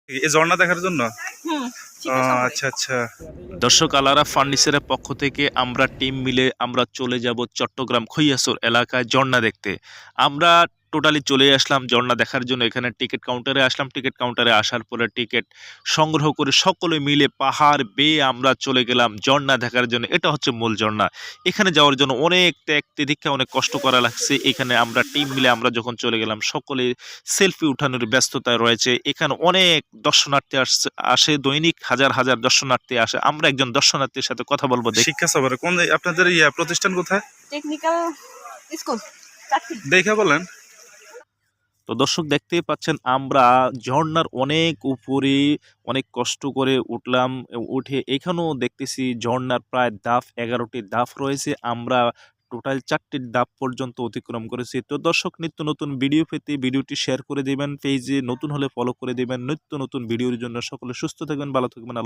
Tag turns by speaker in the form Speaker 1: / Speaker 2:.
Speaker 1: এই ঝর্ণা দেখার জন্য?
Speaker 2: হুম,
Speaker 1: ও
Speaker 2: শীতের সফরে।
Speaker 1: আচ্ছা, আচ্ছা।
Speaker 3: দর্শক, আলারা ফার্নিচারের পক্ষ থেকে আমরা টিম মিলে আমরা চলে যাব চট্টগ্রাম খৈয়াসর এলাকায় ঝর্ণা দেখতে। আমরা টোটালি চলে আসলাম ঝর্ণা দেখার জন্য। এখানে টিকিট কাউন্টারে আসলাম। টিকিট কাউন্টারে আসার পরে টিকিট সংগ্রহ করে সকলে মিলে পাহাড় বেয়ে আমরা চলে গেলাম ঝর্ণা দেখার জন্য। এটা হচ্ছে মূল ঝর্ণা। এখানে যাওয়ার জন্য অনেক ত্যাগ তিতিক্ষা, অনেক কষ্ট করা লাগছে। এখানে আমরা টিম মিলে আমরা যখন চলে গেলাম, সকলে সেলফি উঠানোর ব্যস্ততায় রয়েছে। এখানে অনেক দর্শনার্থী আসে দৈনিক হাজার হাজার দর্শনার্থী আসে। আমরা একজন দর্শনার্থীর সাথে কথা বলবো।
Speaker 1: শিক্ষা সফরে কোন আপনাদের প্রতিষ্ঠান কোথায়?
Speaker 2: টেকনিক্যাল স্কুল চাকরি।
Speaker 1: দেখে বলেন।
Speaker 3: তো দর্শক, দেখতেই পাচ্ছেন আমরা ঝর্ণার অনেক উপরে অনেক কষ্ট করে উঠলাম। উঠে এখানেও দেখতেছি ঝর্ণার প্রায় ধাপ 11টি ধাপ রয়েছে। আমরা টোটাল 4টি ধাপ পর্যন্ত অতিক্রম করেছি। তো দর্শক, নিত্য নতুন ভিডিও পেতে ভিডিওটি শেয়ার করে দেবেন, পেজে নতুন হলে ফলো করে দেবেন। নিত্য নতুন ভিডিওর জন্য সকলে সুস্থ থাকবেন, ভালো থাকবেন।